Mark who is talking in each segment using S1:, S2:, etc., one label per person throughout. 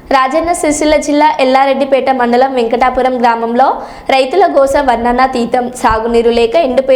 S1: రాజన్న సిరిసిల్ల జిల్లా ఎల్లారెడ్డిపేట మండలం వెంకటాపురం గ్రామంలో రైతుల గోస వర్ణనాతీతం. సాగునీరు లేక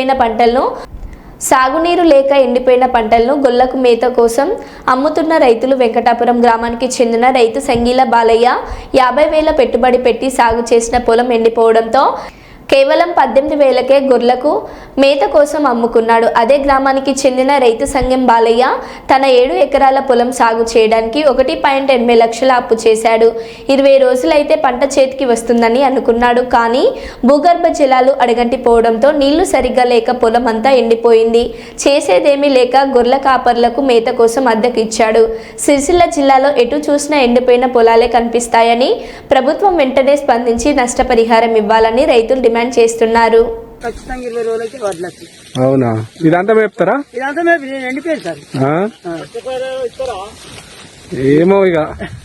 S1: ఎండిపోయిన పంటలను గొల్లకు మేత కోసం అమ్ముతున్న రైతులు. వెంకటాపురం గ్రామానికి చెందిన రైతు సంగీల బాలయ్య 50,000 పెట్టుబడి పెట్టి సాగు చేసిన పొలం ఎండిపోవడంతో కేవలం 18,000కే గొర్రెలకు మేత కోసం అమ్ముకున్నాడు. అదే గ్రామానికి చెందిన రైతు సంఘం బాలయ్య తన 7 ఎకరాల పొలం సాగు చేయడానికి 1.8 లక్షల అప్పు చేశాడు. 20 రోజులైతే పంట చేతికి వస్తుందని అనుకున్నాడు. కానీ భూగర్భ జలాలు అడగంటిపోవడంతో నీళ్లు సరిగ్గా లేక పొలం అంతా ఎండిపోయింది. చేసేదేమీ లేక గొర్రెల కాపర్లకు మేత కోసం అద్దెకిచ్చాడు. సిరిసిల్ల జిల్లాలో ఎటు చూసినా ఎండిపోయిన పొలాలే కనిపిస్తాయని ప్రభుత్వం వెంటనే స్పందించి నష్టపరిహారం ఇవ్వాలని రైతులు డిమాండ్ చేస్తున్నారు.
S2: అవునా? ఇదంతా మేపుతారా? ఏమో ఇక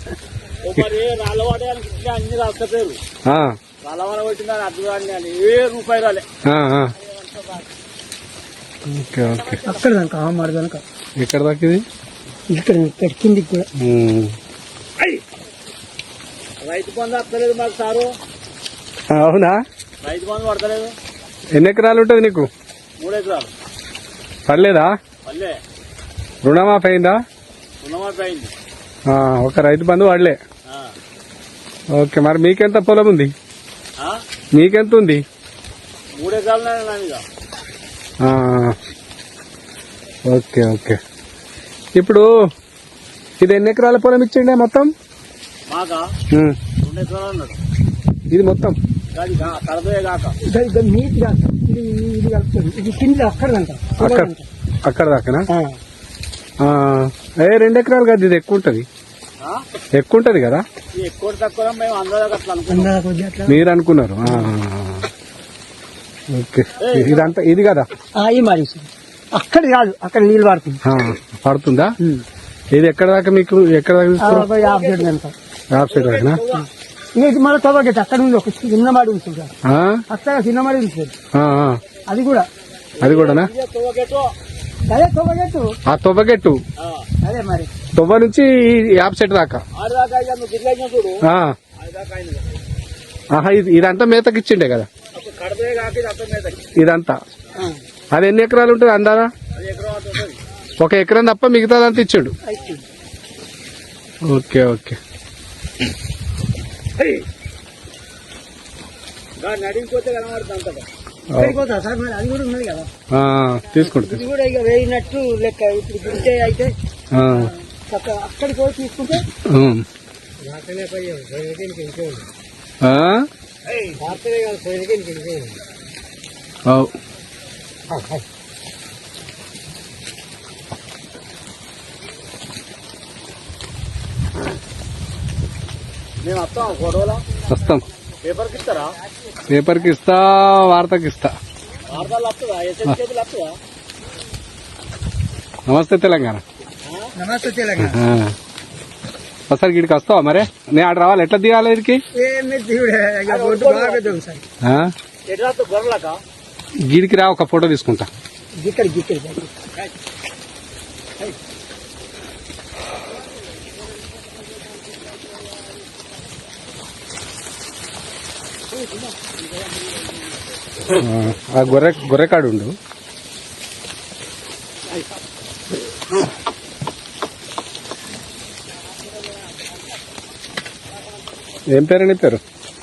S2: ఎక్కడ దాకా ఇది
S3: పెట్టింది కూడా
S4: రైతు బంధు వస్తలేదు మాకు సారు.
S2: అవునా?
S4: రైతు బంధు పడతలేదు.
S2: ఎన్ని ఎకరాలు ఉంటుంది నీకు?
S4: 3 ఎకరాలు.
S2: పర్లేదా?
S4: పల్లె
S2: రుణమాఫీ అయిందా?
S4: రుణమాఫీ అయింది.
S2: ఒక రైతు బంధు పడలే. ఓకే, మరి మీకెంత పొలం ఉంది? మీకెంత ఉంది?
S4: 3 ఎకరాలు.
S2: Okay okay. ఇప్పుడు ఇది ఎన్ని ఎకరాల పొలం ఇచ్చిండే మొత్తం?
S4: మాకా 2 ఎకరాలు అన్నాడు.
S2: ఇది మొత్తం అక్కడ దాకానా? 2 ఎకరాలు కదా, ఇది ఎక్కువ ఉంటది. ఎక్కువ ఉంటది కదా?
S4: ఎక్కువ తక్కువ
S2: మీరు అనుకున్నారు. ఓకే, ఇదంతా ఇది కదా?
S3: అక్కడ కాదు, అక్కడ నీళ్ళు పడుతుంది.
S2: పడుతుందా? ఇది ఎక్కడ దాకా మీకు? ఎక్కడ దాకా? యాప్ సైడ్ దాకా.
S3: మళ్ళీ తవ్వగట్టు అక్కడ ఉంది, ఒక చిన్న మాడి ఉంటుంది. అక్కడ చిన్న మాడి ఉంటుంది. అది కూడా
S2: కూడానా?
S3: అదే తవ్వగట్టు.
S2: ఆ తొవ్వగట్టు
S3: అదే మరి
S2: తొవ్వ నుంచి యాప్ సెట్ దాకా. ఇదంతా మేతకి ఇచ్చిండే కదా ఇదంతా? అది ఎన్ని ఎకరాలు ఉంటుంది అందాదా? 1 ఎకరం తప్ప మిగతాదంతా ఇచ్చాడు. Okay okay. తీసుకుంటా
S3: వేయినట్టు లెక్క. ఇప్పుడు గుంటే అయితే అక్కడికి పోయి తీసుకుంటే
S4: మేము వస్తాం. గొడవలా
S2: వస్తాం.
S4: పేపర్కి ఇస్తారా?
S2: పేపర్కి ఇస్తా, వార్తకి ఇస్తా. నమస్తే తెలంగాణ.
S3: నమస్తే తెలంగాణ.
S2: ఒకసారి గిడికి వస్తావా? మరే నేను ఆడ రావాలి. ఎట్లా దిగాలి ఇదికి? గిడికి రా, ఒక ఫోటో తీసుకుంటా. ఆ గొర్రెకాడు ఉండు. ఏం పేరు నీ పేరు?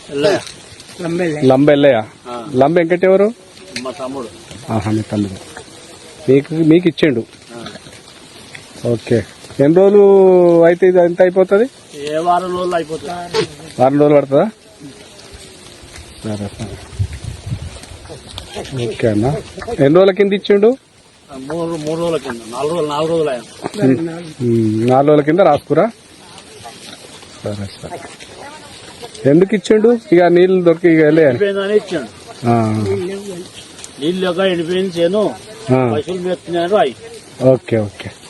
S2: లంబ ఎల్లయ్య. లంబ వెంకట ఎవరు?
S4: మా తమ్ముడు.
S2: మీ తమ్ముడు. మీకు ఇచ్చిండు. ఓకే. ఎన్ని రోజులు అయితే ఇది ఎంత అయిపోతుంది?
S4: 4 రోజులు అయిపోతుంది.
S2: 4 రోజులు పడుతుందా? సరే సరే. ఓకే అన్న. ఎన్ని రోజుల కింద ఇచ్చిండు?
S4: 3 రోజుల కింద. 4 రోజులు
S2: 4 రోజుల కింద రాసుకురా. సరే సరే. ఎందుకు ఇచ్చిండు? ఇక నీళ్లు దొరికి
S4: ఎండిపోయిందని ఇచ్చాడు. నీళ్ళు ఎండిపోయింది చేను, పశువులు మెత్తున్నాడు.
S2: Okay okay.